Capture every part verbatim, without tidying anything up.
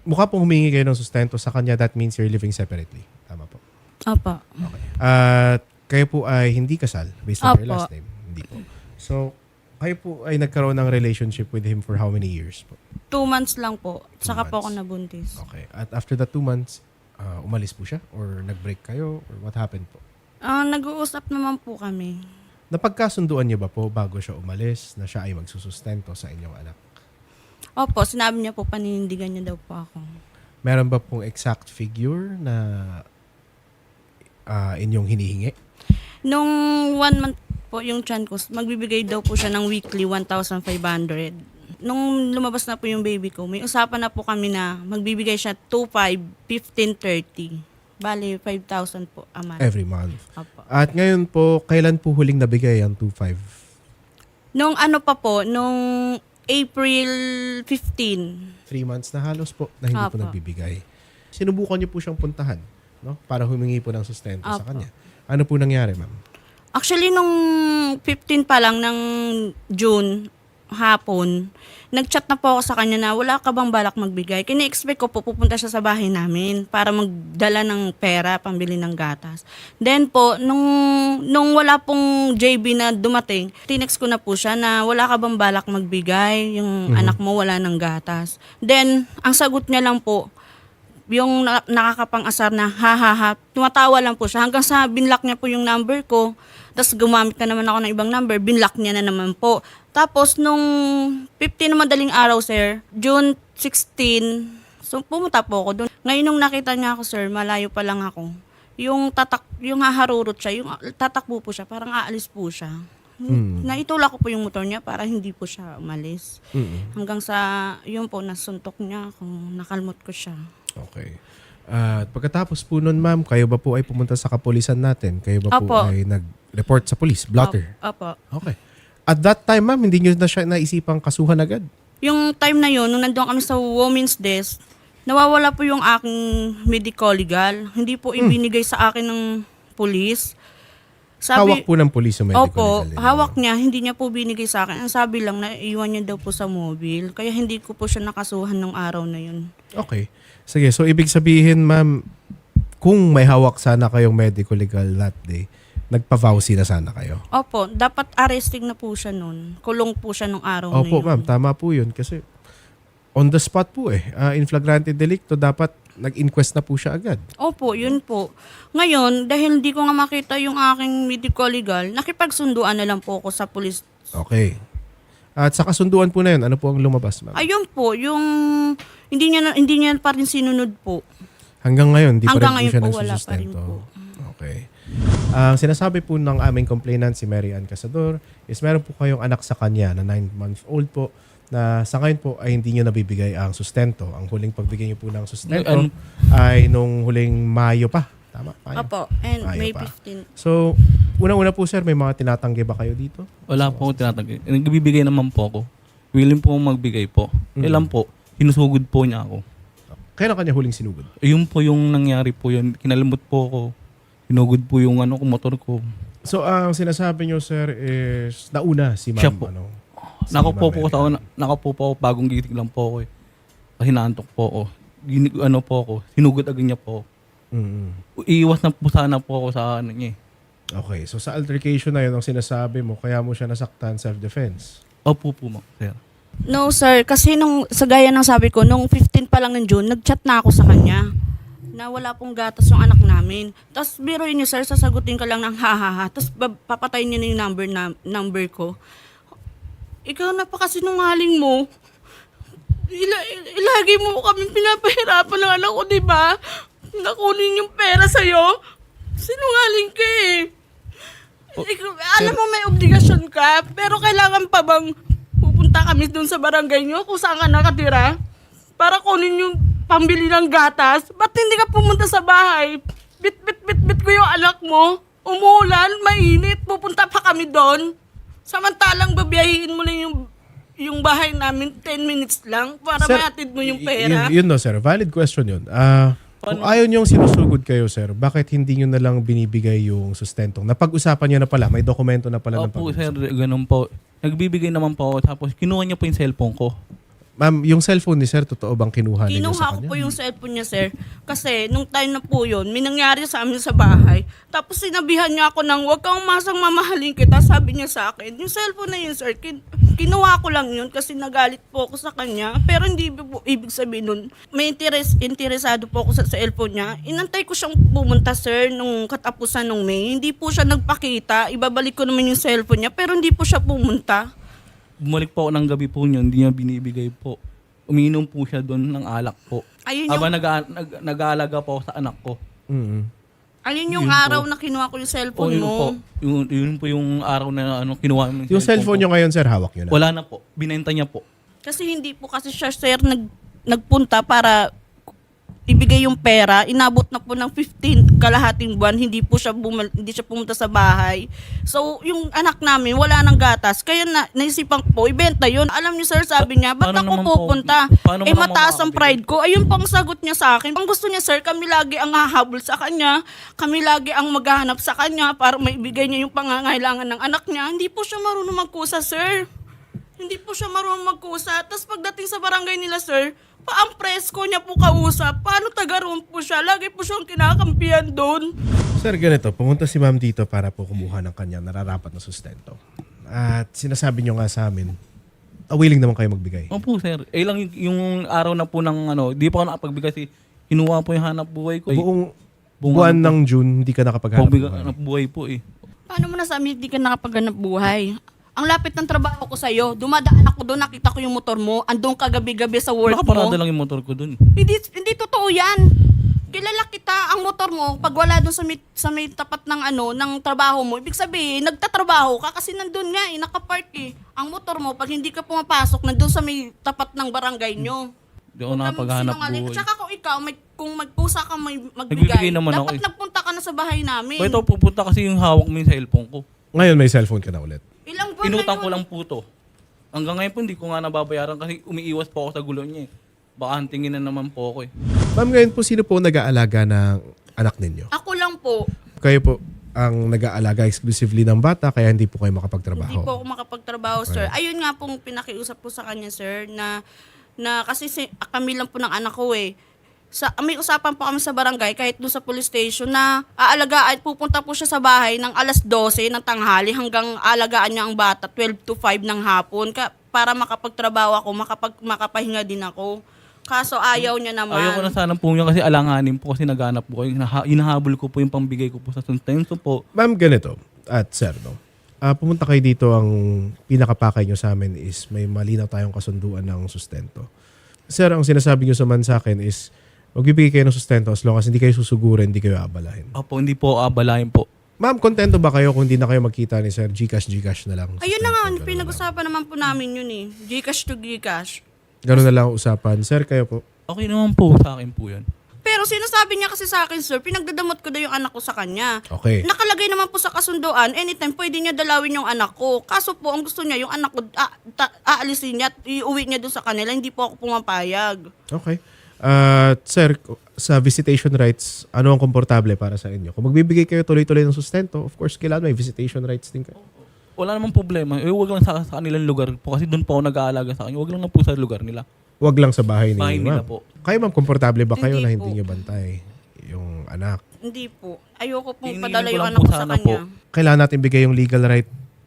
mukha pong humingi kayo ng sustento sa kanya, that means you're living separately. Tama po. Opo. Okay. At kayo po ay hindi kasal based on your Opo. last name? Hindi po. So, kayo po ay nagkaroon ng relationship with him for how many years po? Two months lang po. Two Saka po ako months. nabuntis. Okay. At after the two months, uh, umalis po siya? Or nag-break kayo? Or what happened po? Ah, nag-uusap naman po kami. Napagkasunduan niyo ba po bago siya umalis na siya ay magsusustento sa inyong anak? Opo, sinabi niya po paninindigan niya daw po ako. Meron ba pong exact figure na uh, inyong hinihingi? Nung one month po yung tiyan ko, magbibigay daw po siya ng weekly one thousand five hundred. Nung lumabas na po yung baby ko, may usapan na po kami na magbibigay siya two, five, fifteen, thirty. Bali, five thousand po a month. Every month. Opo. At ngayon po, kailan po huling nabigay ang two five? Nung ano pa po, nung April fifteenth. Three months na halos po na hindi po Apo. nagbibigay. Sinubukan niyo po siyang puntahan, no? Para humingi po ng sustento sa Apo. kanya. Ano po nangyari, ma'am? Actually, nung fifteen pa lang ng June, hapon, nag-chat na po ako sa kanya na wala ka bang balak magbigay. Kini-expect ko po pupunta siya sa bahay namin para magdala ng pera, pambili ng gatas. Then po, nung, nung wala pong J B na dumating, tinext ko na po siya na wala ka bang balak magbigay, yung anak mo wala ng gatas. Then, ang sagot niya lang po, yung na- nakakapang-asar na ha ha ha, tumatawa lang po siya hanggang sa binlock niya po yung number ko. Tapos gumamit na naman ako ng ibang number, binlock niya na naman po. Tapos nung fifteen na madaling araw, sir, June sixteenth, so pumunta po ako doon. Ngayon nung nakita niya ako, sir, malayo pa lang ako. Yung tatak, yung haharurot siya, yung tatakbo po siya, parang aalis po siya. Hmm. Naitulak ko po yung motor niya para hindi po siya umalis. Mm-mm. Hanggang sa, yun po, nasuntok niya ako, nakalmot ko siya. Okay. At pagkatapos po nun, ma'am, kayo ba po ay pumunta sa kapulisan natin? Kayo ba po Opo. ay nag-report sa police? Blotter? Opo. Okay. At that time, ma'am, hindi nyo na siya naisipang kasuhan agad? Yung time na yun, nung nandun kami sa women's desk, nawawala po yung aking medical legal. Hindi po ibinigay sa akin ng police. Hawak po ng police yung medical Opo, legal ninyo. hawak niya, hindi niya po binigay sa akin. Ang sabi lang na iwan niya daw po sa mobile. Kaya hindi ko po siya nakasuhan ng araw na yun. Okay. Sige, so ibig sabihin, ma'am, kung may hawak sana kayong medical legal that day, nagpa-vowsy na sana kayo. Opo, dapat arresting na po siya nun. Kulong po siya nung araw na Opo, yun. ma'am, tama po yun. Kasi on the spot po eh. Uh, in flagrante delicto, dapat nag-inquest na po siya agad. Opo, yun po. Ngayon, dahil hindi ko nga makita yung aking medical legal, nakipagsunduan na lang po ako sa police. Okay. At sa kasunduan po na yun, ano po ang lumabas, ma'am? Ayun po, yung hindi niya na- hindi niya pa rin sinunod po. Hanggang ngayon, di pa Hanggang rin po ngayon siya po, wala pa rin nagsusustento. po. Okay. Ang sinasabi po ng aming complainant, si Mary Ann Casador, is meron po kayong anak sa kanya na nine months old po, na sa ngayon po ay hindi nyo nabibigay ang sustento. Ang huling pagbigay nyo po ng sustento Ano- ay nung huling Mayo pa. Tama? Mayo. Opo, and Ayaw May pa. fifteenth. So, unang-una po sir, may mga tinatanggi ba kayo dito? Wala po akong tinatagay. Nagbibigay naman po ako. Willing po akong magbigay po. Mm. Ilan po, hinusugod po niya ako. Kailan kanya huling sinugod? Ayun po yung nangyari po yun. Kinalimot po ako. Hinugod po yung ano ko, motor ko. So, ang sinasabi nyo sir is nauna si ma'am. Siya po. Ano, si Nakaupo Ma'am po Mary ako, Ann. na, nakaupo po ako, bagong gitig lang po ako eh. Hinaantok po ako. Gini, ano po ako, sinugod agad niya po. Mm-mm. Iiwas na po sana po ako sa ano niya eh. Okay, so sa altercation na yun ang sinasabi mo, kaya mo siya nasaktan, self-defense. Opo po, ma'am, sir. No, sir. Kasi nung, sa gaya ng sabi ko, nung fifteen pa lang ng June, nag-chat na ako sa kanya na wala pong gatas yung anak namin. Tapos, biruin niyo, sir, sasagutin ka lang ng ha-ha-ha. Tapos, bab- papatayin niya na yung number, na, number ko. Ikaw napakasinungaling mo. Ila, il- ilagi mo kami pinapahirapan ng anak ko, di ba? Nakunin yung pera sa'yo. Sinungaling ka eh. Oh, Ikaw, alam mo may obligasyon ka, pero kailangan pa bang pupunta kami doon sa barangay nyo kung saan ka nakatira para kunin yung pambili ng gatas? Ba't hindi ka pumunta sa bahay? Bit, bit, bit, bit ko yung anak mo. Umuulan, mainit, pupunta pa kami doon. Samantalang babiyahin mo lang yung yung bahay namin ten minutes lang para Sir, mahatid mo yung y- pera. Yun, yun no, sir. Valid question yun. Ah, kung ayaw niyong sinusugod kayo, sir, bakit hindi niyo na lang binibigay yung sustentong? Napag-usapan niyo na pala, may dokumento na pala ng Opo, pag-usapan. sir, ganun po. Nagbibigay naman po ako, tapos kinuha niya po yung cellphone ko. Ma'am, yung cellphone ni sir, totoo bang kinuha ninyo sa Kinuha ko kanya? po yung cellphone niya, sir. Kasi nung time na po yun, may nangyari sa amin sa bahay. Tapos sinabihan niya ako ng, huwag kang umasang mamahalin kita. Sabi niya sa akin, yung cellphone na yun, sir, kin- kinuha ko lang yun kasi nagalit po ako sa kanya. Pero hindi po ibig sabihin nun, may interes, interesado po ako sa cellphone niya. Inantay ko siyang pumunta, sir, nung katapusan nung May. Hindi po siya nagpakita. Ibabalik ko naman yung cellphone niya, pero hindi po siya pumunta. Bumalik po ako ng gabi po niya, hindi niya binibigay po. Umiinom po siya doon ng alak po. Ayun yung, Aba nag, nag, nag-aalaga po ako sa anak ko. Mm-mm. ayun yung yun po. araw na kinuha ko yung O cellphone yun mo. po, yun, yun po yung araw na ano, kinuha mo Yung cellphone nyo ngayon, sir, hawak nyo na. Wala na po, binenta niya po. Kasi hindi po kasi siya, sir, nag, nagpunta para ibigay yung pera. Inabot na po ng fifteen kalahating buwan. Hindi po siya, bumal, hindi siya pumunta sa bahay. So, yung anak namin, wala nang gatas. Kaya na, naisipan ko po, ibenta yun. Alam niyo, sir, sabi niya, ba't Paano ako naman po- pupunta? paano Eh, mo naman mataas ang makakabili? pride ko. Ayun pang sagot niya sa akin. Ang gusto niya, sir, kami lagi ang hahabol sa kanya. Kami lagi ang maghahanap sa kanya para maibigay niya yung pangangailangan ng anak niya. Hindi po siya marunong magkusa, sir. Hindi po siya marunong magkusa. Tapos pagdating sa barangay nila, sir, paang presko niya po kausap. Paano taga roon po siya? Lagi po siyang kinakampihan doon. Sir, ganito, pumunta si ma'am dito para po kumuha ng kanyang nararapat na sustento. At sinasabi nyo nga sa amin, ah, willing naman kayo magbigay. Opo sir, eh lang yung, yung araw na po ng ano, di pa ako nakapagbigay kasi kinuha po yung hanap buhay ko. Eh. Buong Buong buwan ano po. ng June, hindi ka nakapaghanap Pagbigay buhay. hanap buhay po eh. Paano mo nasabi hindi ka nakapaghanap buhay? Ang lapit ng trabaho ko sa'yo. Dumadaan ako doon, nakita ko yung motor mo. Andun ka gabi-gabi sa work mo. Nakaparada lang yung motor ko dun. Hindi, hindi totoo yan. Kilala kita, ang motor mo, pag wala doon sa may, sa may tapat ng ano, ng trabaho mo, ibig sabihin, nagtatrabaho ka kasi nandun nga eh, nakapark eh. Ang motor mo, pag hindi ka pumapasok, nandun sa may tapat ng barangay nyo. Di ako Huwag kang nakapaghanap magsinungaling. buhay. At saka kung ikaw, may, kung magpusa ka may magbigay, Nagbibigay naman ako dapat eh. nagpunta ka na sa bahay namin. O ito, pupunta kasi yung hawak mo yung cellphone ko. Ngayon may cellphone ka na ulit. Ilang buwan Inutang na ko yun? lang po to. Hanggang ngayon po, hindi ko nga nababayaran kasi umiiwas po ako sa gulo niya eh. Baka hantingin na naman po ako eh. Ma'am, ngayon po, sino po nag-aalaga ng anak ninyo? Ako lang po. Kayo po ang nag-aalaga exclusively ng bata kaya hindi po kayo makapagtrabaho. Hindi po ako makapagtrabaho, sir. Ayun nga pong pinakiusap ko sa kanya, sir, na na kasi si, kami lang po ng anak ko eh. Sa, may usapan po kami sa barangay kahit doon sa police station na aalagaan, pupunta po siya sa bahay ng alas dose ng tanghali hanggang alagaan niya ang bata twelve to five ng hapon ka, para makapagtrabaho ako, makapag, makapahinga din ako. Kaso ayaw niya naman. Ayaw ko na sana po niya kasi alanganin po kasi naghanap po. Hinaha- Hinahabol ko po yung pambigay ko po sa sustento po. Ma'am, ganito. At sir, no? Ah, pumunta kayo dito, ang pinakapakay nyo sa amin is may malinaw tayong kasunduan ng sustento. Sir, ang sinasabi nyo sa man sa akin is magbibigay kayo ng sustento as long as hindi kayo susugurin, hindi kayo abalahin. Opo, hindi po abalahin po. Ma'am, kontento ba kayo kung hindi na kayo magkita ni Sir? Gcash, Gcash na lang. Ayun na nga, Sustento, ganun pinag-usapan naman po namin yun eh. Gcash to Gcash. lang. Ganun na lang ang usapan. Sir, kayo po. Okay naman po sa akin po yan. Pero sinasabi niya kasi sa akin, sir, pinagdadamot ko daw yung anak ko sa kanya. Okay. Nakalagay naman po sa kasunduan, anytime pwede niya dalawin yung anak ko. Kaso po, ang gusto niya, yung anak ko, ah, ta- aalisin niya at iuwi niya doon sa kanila. Hindi po ako pumapayag. Okay. Uh, sir, sa visitation rights, ano ang komportable para sa inyo? Kung magbibigay kayo tuloy-tuloy ng sustento, of course, kailangan may visitation rights din kayo. Wala namang problema. Eh, wag lang sa, sa kanilang lugar po kasi doon po ako nag-aalaga sa kanya. Wag lang na po sa lugar nila. Huwag lang sa bahay ni Bahay nila ma'am. po. Kayo ma'am, komportable ba kayo Hindi na hindi po. nyo bantay yung anak? Hindi po. Ayoko pong Hinihingi padala ko yung lang anak po ko sa sana kanya. po. Kailangan natin bigay yung legal right.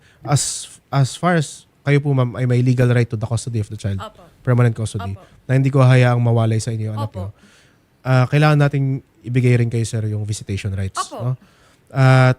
As as far as kayo po ma'am ay may legal right to the custody of the child. Opo. Permanent custody. Opo. Na hindi ko hayaang mawalay sa inyo yung anak Opo. nyo. Ah, kailangan nating ibigay rin kayo sir yung visitation rights. Opo. No? At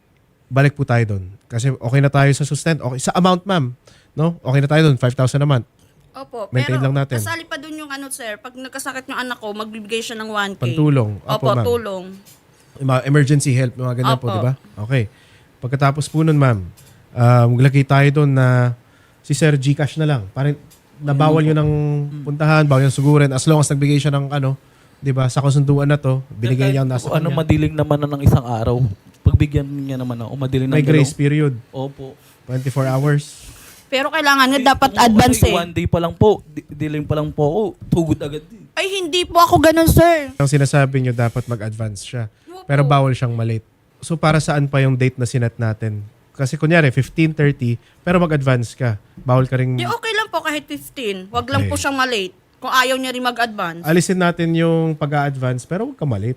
balik po tayo doon. Kasi okay na tayo sa sustento. Okay, sa amount ma'am. No? Okay na tayo doon. five thousand a month. Opo. Maintain Pero lang natin. kasali pa doon yung ano, sir, pag nagkasakit yung anak ko, magbibigay siya ng one K. Pantulong. Opo, Opo, ma'am. tulong. Yung mga emergency help, mga ganyan po, Opo. di ba? Okay. Pagkatapos po nun, ma'am, uh, maglagay tayo doon na si Sir Gcash na lang. Parang nabawal yun ng puntahan, bawal yung sugurin. As long as nagbigay siya ng ano, di ba, sa kasunduan na to, binigay niya ang nasa Ano, kanya. madiling naman na ng isang araw. Pagbigyan niya naman ako, madiling May ng grace dalaw- period. Opo. twenty-four hours. Pero kailangan nga dapat Kung advance kasi eh. One day pa lang po, di- diling pa lang po ako, tugod agad din. Ay, hindi po ako ganun, sir. Ang sinasabi niyo, dapat mag-advance siya. Opo. Pero bawal siyang malate. So, para saan pa yung date na sinet natin? Kasi kunyari, fifteen thirty, pero mag-advance ka. Bawal ka rin... Di okay lang lang po kahit fifteen. Wag lang Okay. po siyang malate. Kung ayaw niya rin mag-advance. Alisin natin yung pag-a-advance pero huwag ka malit.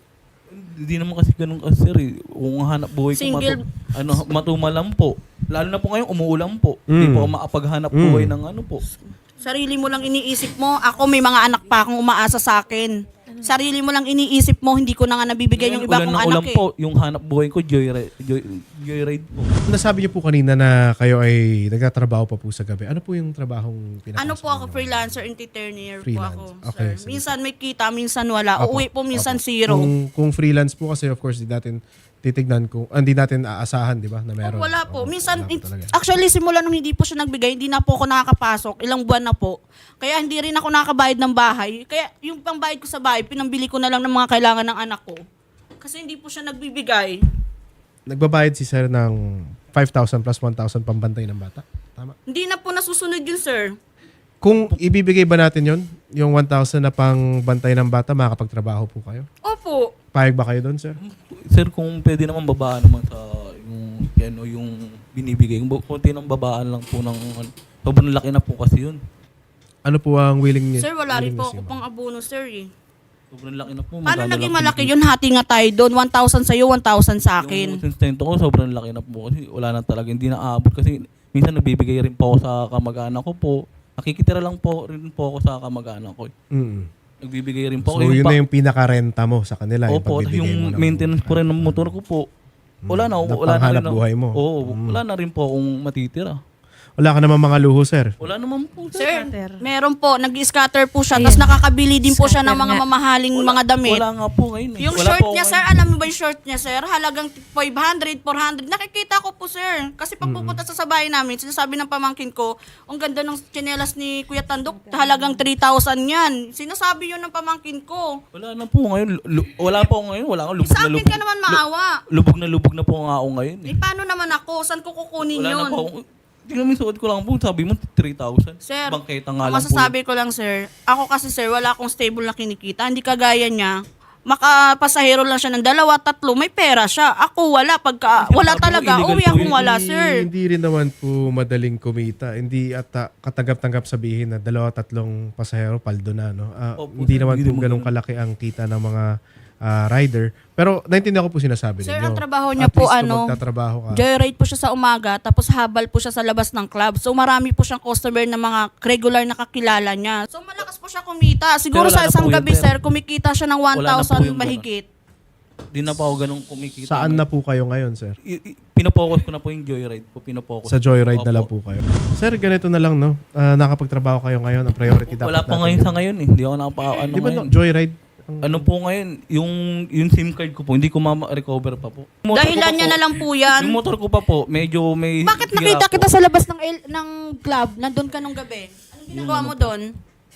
Hindi naman kasi ganun kasi sir eh. Kung hanap buhay ko Single- matu, ano, matumalang po. Lalo na po ngayon umuulan po. Hindi Mm. po ako makapaghanap Mm. buhay ng ano po. Sarili mo lang iniisip mo. Ako may mga anak pa akong umaasa sa akin. Sarili mo lang iniisip mo, hindi ko na nga nabibigay yung iba Ulan kong ng anak ulan eh. po, yung hanap buhay ko, joyride, joy, joyride po. Nasabi niyo po kanina na kayo ay nagtatrabaho pa po sa gabi. Ano po yung trabahong pinaka Ano po ako, freelancer entertainer po Freelance. ako. Okay, Sir. sige. Minsan may kita, minsan wala. Apo, Uuwi po, minsan apo. zero. Kung, kung freelance po kasi of course di natin titignan kung ah, hindi natin aasahan, di ba, na meron. Oh, wala po. Oo, Minsan, wala po it- talaga. actually, simula nung hindi po siya nagbigay, hindi na po ako nakakapasok. Ilang buwan na po. Kaya hindi rin ako nakakabayad ng bahay. Kaya yung pangbayad ko sa bahay, pinambili ko na lang ng mga kailangan ng anak ko. Kasi hindi po siya nagbibigay. Nagbabayad si sir ng five thousand plus one thousand pambantay ng bata. Tama. Hindi na po nasusunod yun, sir. Kung ibibigay ba natin yon yung one thousand na pang bantay ng bata, makakapagtrabaho po kayo? Opo. Payag ba kayo doon, sir? Sir, kung pwede naman babaan naman sa yung, yan, o yung binibigay. Kung konti ng babaan lang po ng, ano, sobrang laki na po kasi yun. Ano po ang willing niya? Sir, wala rin po ako willingness niyo, pang abono, sir. Eh. Sobrang laki na po. Paano Magkano naging lang malaki pinipili- yun? Hati nga tayo doon. one thousand sa'yo, one thousand sa Yung akin. sustento ko, sobrang laki na po kasi wala na talaga. Hindi na aabot kasi minsan nagbibigay rin po ako sa kamag-anak ko po. Nakikitira lang po rin po ako sa kamag-anak ko. ma'am? Mm. Nagbibigay rin po So, ako. yun pa- na yung pinakarenta mo sa kanila. Opo, pagbibigay yung mo ng- maintenance po rin ng motor ko po. Wala na, Na wala na panghanap rin. na- buhay mo. Oo, Mm. wala na rin po akong matitira. Wala ka naman mga luho, sir. Wala naman po. Sir, Scatter. meron po. Nag-scatter po siya. Ayun. Tapos nakakabili din po siya ng Scatter mga nga. mamahaling Wala- mga damit. Wala nga po ngayon. eh. Yung Wala short po niya, ako sir, ngayon. alam mo ba yung short niya, sir? Halagang five hundred, four hundred. Nakikita ko po, sir. Kasi pag pupunta sa sabay namin, sinasabi ng pamangkin ko, ang ganda ng tsinelas ni Kuya Tandok, halagang three thousand yan. Sinasabi yun ng pamangkin ko. Wala na po ngayon. Lu- wala po ako ngayon. Wala ako lubog Sa na akin lubog. ka naman maawa. Lubog na lubog na po nga ako ngayon. Eh, Eh. paano naman ako? Saan ko kukunin Wala yun? na po ako. Hindi namin suot ko lang po. Sabi mo three thousand. Sir, Bangketa nga ang lang po. masasabi ko lang, sir, ako kasi, sir, wala akong stable na kinikita. Hindi kagaya niya. Makapasahero lang siya ng dalawa, tatlo, may pera siya. Ako wala. Pagka, Hindi, wala sabi mo, talaga. illegal Uwi po akong yun. wala, Hindi- sir. Hindi rin naman po madaling kumita. Hindi at ah, katanggap-tanggap sabihin na dalawa, tatlong pasahero, paldo na. No? Ah, Opo, hindi sir, naman hindi po naman ganun ganun. kalaki ang kita ng mga ah, rider. Pero naintindihan ko po sinasabi Sir, ninyo. ang trabaho niya At po, least kung ano, magtatrabaho ka. Joyride po siya sa umaga, tapos habal po siya sa labas ng club. So marami po siyang customer na mga regular na kakilala niya. So malakas po siya kumita. Siguro Pero sa wala na isang po yun, gabi, sir. sir, kumikita siya ng one Wala na po thousand yung ganun. mahigit. Di na pa ako ganun kumikita. Saan na po kayo ngayon, sir? I- i- pinapokus ko na po yung joyride po. Pinapokus. Sa joyride na Opo. lang po kayo. Sir, ganito na lang, no? Ah, nakapagtrabaho kayo ngayon. Ang priority dapat Wala pa natin ngayon yun. sa ngayon eh. Hindi ako nakapa ano Di ba ngayon. no, joyride? Ang- Ano po ngayon, yung yung SIM card ko po, hindi ko ma-recover pa po. Yung motor ko Dahilan pa niya po- na lang po yan. Yung motor ko pa po, medyo may... Bakit sira nakita po. kita sa labas ng el- ng club? Nandun ka nung gabi. Anong ginagawa mo doon?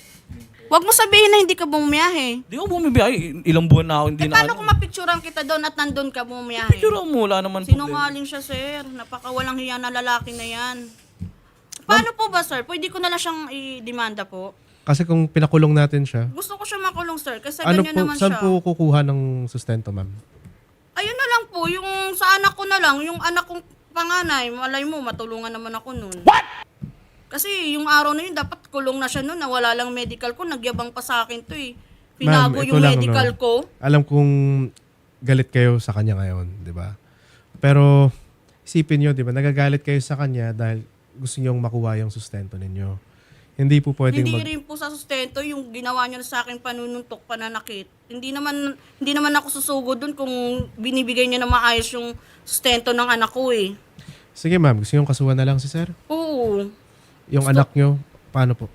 Huwag mo sabihin na hindi ka bumiyahe. Di ako bumibiyay. Ilang buwan na ako hindi Eh na paano ano. kung mapicturean kita doon at nandun ka bumiyahe? Picture mo, wala naman problema. Sinungaling siya, sir. Napakawalang hiya na lalaki na yan. Paano po ba, sir? Pwede ko na lang siyang i-demanda po. Kasi kung pinakulong natin siya, Gusto ko siya makulong, sir. Kasi ano ganyan po, naman saan siya. po kukuha ng sustento, ma'am? Ayun na lang po. Yung sa anak ko na lang. Yung anak kong panganay. Malay mo, matulungan naman ako nun. What? Kasi yung araw na yun, dapat kulong na siya nun. Nawala lang medical ko. Nagyabang pa sa akin to eh. Pinago Ma'am, ito yung lang, medical no? ko. Alam kong galit kayo sa kanya ngayon, di ba? Pero isipin nyo, di ba, nagagalit kayo sa kanya dahil gusto nyong makuha yung sustento ninyo. Hindi po pwedeng Hindi mag... rin po sa sustento yung ginawa niya sa akin panununtok, pananakit. Hindi naman hindi naman ako susugod dun kung binibigay niya na maayos yung sustento ng anak ko eh. Sige ma'am, gusto nyong kasuhan na lang si sir? Oo. Yung anak nyo, paano po?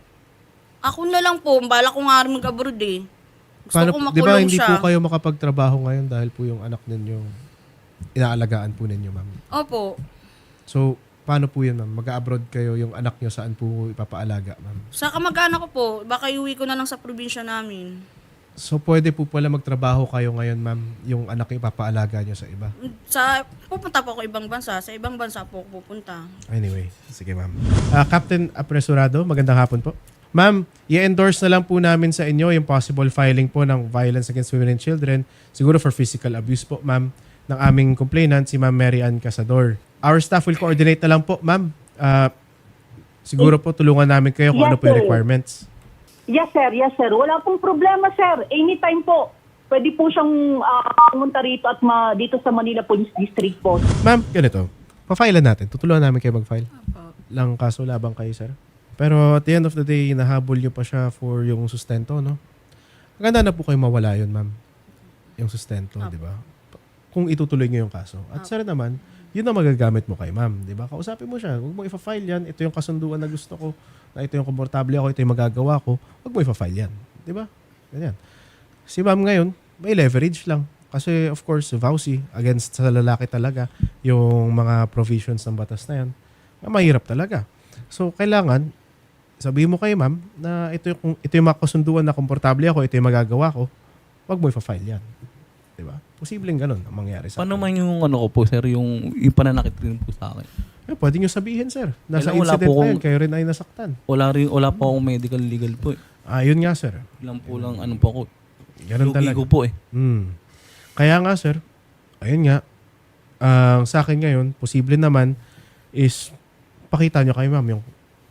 Ako na lang po, bala ko nga rin mag-abroad eh. Gusto Paano, ko di ba makulong hindi siya. po kayo makapagtrabaho ngayon dahil po yung anak ninyo inaalagaan po ninyo, ma'am? Opo. So, paano po yun, ma'am? Mag-abroad kayo, yung anak nyo saan po ipapaalaga, ma'am? Sa kamag-anak ko po, baka iuwi ko na lang sa probinsya namin. So, pwede po pala magtrabaho kayo ngayon, ma'am, yung anak nyo ipapaalaga nyo sa iba? Sa, pupunta po ako ibang bansa. Sa ibang bansa po ako pupunta. Anyway, sige ma'am. Ah, Captain Apresurado, magandang hapon po. Ma'am, i-endorse na lang po namin sa inyo yung possible filing po ng violence against women and children, siguro for physical abuse po, ma'am, ng aming complainant, si Ma'am Mary Ann Casador. Our staff will coordinate na lang po, ma'am. Ah, siguro po tulungan namin kayo kung Yes, ano po yung sir. requirements. Yes, sir. Yes, sir. Wala pong problema, sir. Anytime po. Pwede po siyang ah, pumunta rito at ma, dito sa Manila Police District po. Ma'am, ganito. Pa-file natin. Tutulungan namin kayo mag-file. Lang kaso labang kayo, sir. Pero at the end of the day, nahabol nyo pa siya for yung sustento, no? Maganda na po kayo mawala yun, ma'am. Yung sustento, di ba? Kung itutuloy nyo yung kaso. At sir naman, yun ang magagamit mo kay ma'am, di ba? Kausapin mo siya. Huwag mo ipa-file yan. Ito yung kasunduan na gusto ko. Na ito yung komportable ako. Ito yung magagawa ko. Huwag mo ipa-file yan. Di ba? Ganyan. Si ma'am ngayon, may leverage lang. Kasi of course, vowsy against sa lalaki talaga yung mga provisions ng batas na yan. Mahirap talaga. So, kailangan, sabihin mo kay ma'am na ito yung, ito yung makasunduan na komportable ako, ito yung magagawa ko, wag mo ipa-file yan. Diba? Posibleng ganun ang mangyari sa Paano akin. man yung ano ko po, sir, yung, yung pananakit rin po sa akin? Eh, pwede nyo sabihin, sir. Nasa Kailangan wala incident po na yan, kung- kayo rin ay nasaktan. Wala rin, wala po akong medical legal po eh. Ah, yun nga, sir. Lang po lang, ano po ako. Ganun Lugi talaga. ko po eh. Hmm. Kaya nga, sir, ayun nga, ang sa akin ngayon, posible naman is pakita nyo kay ma'am yung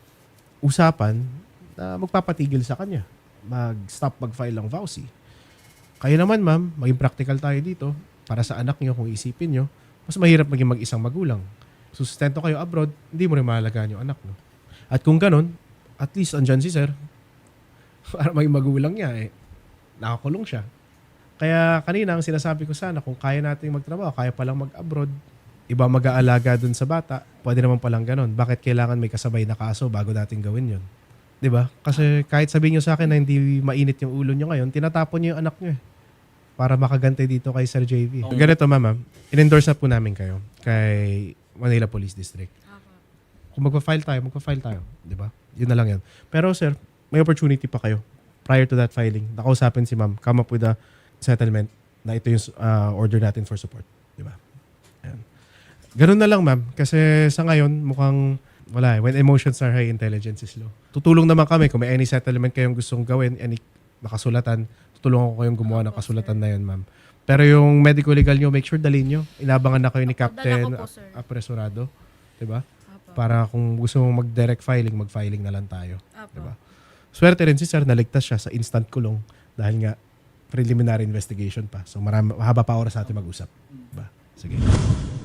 usapan na magpapatigil sa kanya. Mag-stop mag-file ng vowsy. Kayo naman, ma'am, maging practical tayo dito para sa anak nyo, kung isipin nyo, mas mahirap maging mag-isang magulang. Sustento kayo abroad, hindi mo rin mahalagaan yung anak, no? At kung ganun, at least andyan si sir, para maging magulang niya, eh, nakakulong siya. Kaya kanina, ang sinasabi ko sana, kung kaya nating magtrabaho, kaya palang mag-abroad, iba mag-aalaga dun sa bata, pwede naman palang ganun. Bakit kailangan may kasabay na kaso bago natin gawin yun? 'Di ba? Kasi kahit sabihin nyo sa akin na hindi mainit yung ulo nyo ngayon, tinatapon nyo yung anak nyo eh. Para makagante dito kay Sir J V. Ganito, mama, in-endorse na po namin kayo kay Manila Police District. Kung magpa-file tayo, magpa-file tayo. 'Di ba? Yun na lang yan. Pero sir, may opportunity pa kayo. Prior to that filing, nakausapin si ma'am, come up with a settlement na ito yung uh, order natin for support. Di ba? Ayan. Ganun na lang, ma'am. Kasi sa ngayon, mukhang wala eh. When emotions are high, intelligence is low. Tutulong naman kami kung may any settlement kayong gustong gawin, any nakasulatan, tutulungan ko kayong gumawa ng kasulatan na yun, ma'am. Pero yung medical legal nyo, make sure dalhin nyo. Inabangan na kayo ni Captain dala ko po, sir. Apresurado. Di ba? Para kung gusto mong mag-direct filing, mag-filing na lang tayo. Di ba? Swerte rin si sir, naligtas siya sa instant kulong dahil nga preliminary investigation pa. So marami, mahaba pa oras natin mag-usap. Diba? Sige.